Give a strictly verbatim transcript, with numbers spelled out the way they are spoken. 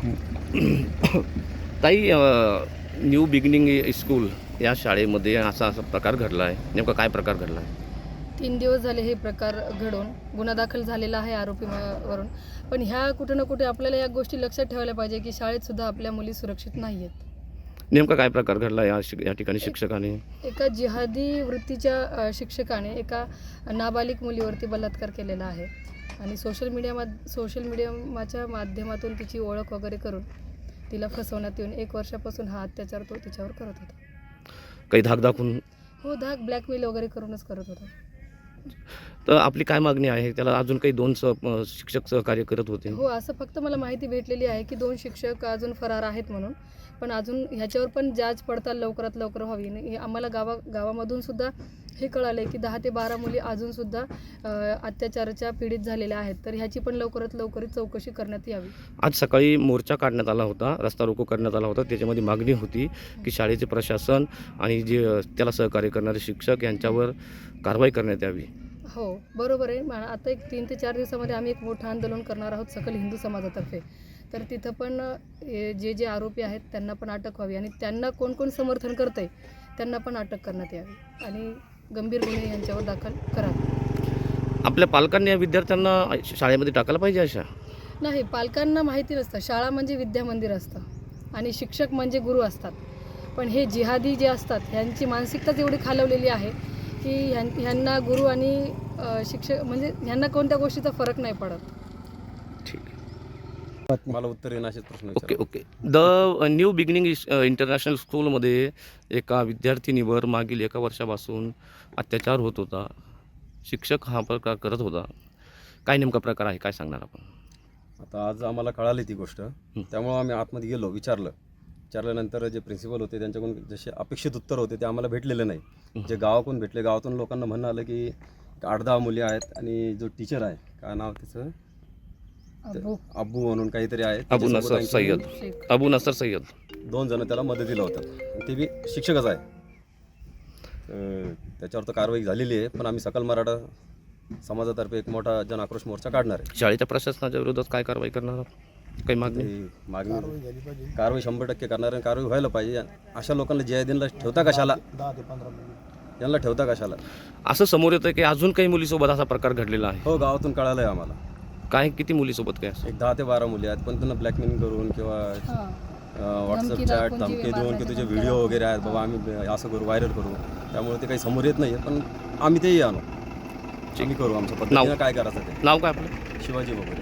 ताई, अ, new beginning school या शाळेमध्ये असा असा प्रकार घडला आहे. नेमका काय प्रकार घडला आहे? तीन दिवस झाले हे प्रकार घडून गुन्हा दाखल झालेला आहे आरोपी म- वरून. पण ह्या कुठे ना कुठे आपल्याला या गोष्टी लक्षात ठेवायला पाहिजे की शाळेत सुद्धा आपल्या मुली सुरक्षित नाही आहेत. नेमका काय प्रकार घडला या शिक या ठिकाणी शिक्षकाने? एका जिहादी वृत्तीच्या अ, शिक्षकाने एका नाबालिग मुलीवरती बलात्कार केलेला आहे आणि सोशल मीडिया सोशल मीडियाच्या माध्यमातून तिची ओळख वगैरे करून तिला फसवण्यात येऊन एक वर्षापासून हा अत्याचार तो तिच्यावर करत होता. काही धाक दाखवून? हो, धाक ब्लॅकमेल वगैरे करूनच करत होता. तर आपली काय मागणी आहे? त्याला अजून काही दोन सह अ, शिक्षक सहकार्य करत होते. हो, असं फक्त मला माहिती भेटलेली आहे की दोन शिक्षक अजून फरार आहेत म्हणून. पण अजून ह्याच्यावर पण जांच पडताल लवकरात लवकर व्हावी. आणि हे आम्हाला गावा गावामधून सुद्धा हे कळालं आहे की दहा ते बारा मुली अजूनसुद्धा अत्याचाराच्या पीडित झालेल्या आहेत. तर ह्याची पण लवकरात लवकर चौकशी करण्यात यावी. आज सकाळी मोर्चा काढण्यात आला होता, रस्ता रोको करण्यात आला होता. त्याच्यामध्ये मागणी होती की शाळेचे प्रशासन आणि जे अ, त्याला सहकार्य करणारे शिक्षक यांच्यावर कारवाई करण्यात यावी. हो, बरोबर आहे. मा आता एक तीन ते चार दिवसामध्ये आम्ही एक मोठं आंदोलन करणार आहोत सकल हिंदू समाजातर्फे. तर तिथं पण हे जे जे आरोपी आहेत त्यांना पण अटक व्हावी आणि त्यांना कोण कोण समर्थन करतंय त्यांना पण अटक करण्यात यावी आणि गंभीर गुन्हे यांच्यावर दाखल करावे. आपल्या पालकांनी या विद्यार्थ्यांना शाळेमध्ये टाकायला पाहिजे अशा? नाही, पालकांना माहिती नसतं. शाळा म्हणजे विद्यामंदिर असतं आणि शिक्षक म्हणजे गुरु असतात. पण हे जिहादी जे असतात ह्यांची मानसिकताच एवढी खालवलेली आहे की ह्यां ह्यांना गुरु आणि अ, शिक्षक म्हणजे ह्यांना कोणत्या गोष्टीचा फरक नाही पडत. ठीक आहे. मला उत्तर येणं असेच प्रश्न ओके विचारा. Okay the new beginning international स्कूलमध्ये एका विद्यार्थिनीवर मागील एका वर्षापासून अत्याचार होत होता. शिक्षक हा प्रकार करत होता. काय नेमका प्रकार आहे, काय सांगणार आपण? आता आज आम्हाला कळाली ती गोष्ट, त्यामुळं आम्ही आतमध्ये गेलो, विचारलं विचारल्यानंतर जे प्रिन्सिपल होते त्यांच्याकडून जसे अपेक्षित उत्तर होते ते आम्हाला भेटलेले नाही. जे गावाकडून भेटले, गावातून लोकांना म्हणणं आलं की आठ दहा मुली आहेत आणि जो टीचर आहे, काय नाव त्याचं, अबू अब्बू म्हणून काहीतरी आहे, अबू त्याच्यासोबत नसर आणखी सय्यद शेख. अबू नसर सय्यद दोन जण त्याला मदतीला होतात. ते बी शिक्षकच आहे. तर त्याच्यावर तर कारवाई झालेली आहे, पण आम्ही सकल मराठा समाजातर्फे एक मोठा जन आक्रोश मोर्चा काढणार आहे. शाळेच्या प्रशासनाच्या विरोधात काय कारवाई करणार आहात? काही मागणी? ती मागणी कारवाई शंभर टक्के करणार आहे. कारवाई व्हायला पाहिजे. अशा लोकांना जयदिनला ठेवता कशाला, यांना ठेवता कशाला? असं समोर येतं की अजून काही मुलीसोबत असा प्रकार घडलेला आहे. हो, गावातून कळालं आहे आम्हाला. काय, किती मुलीसोबत काय असं? एक दहा ते बारा मुली आहेत, पण त्यांना ब्लॅकमेलिंग करून किंवा हां. व्हॉट्सअप धमकी चॅट दाखवून धमकी जीवे देऊन की मारण्याच्या तुझे धमक्या व्हिडिओ दाखवून. वगैरे आहेत बाबा, आम्ही असं करू, व्हायरल करू. त्यामुळे ते काही समोर येत नाही आहे, पण आम्ही तेही आणू, आम्ही करू आमच्या पद्धतीनं काय करायचं ते. नाव काय आपलं? शिवाजी वगैरे.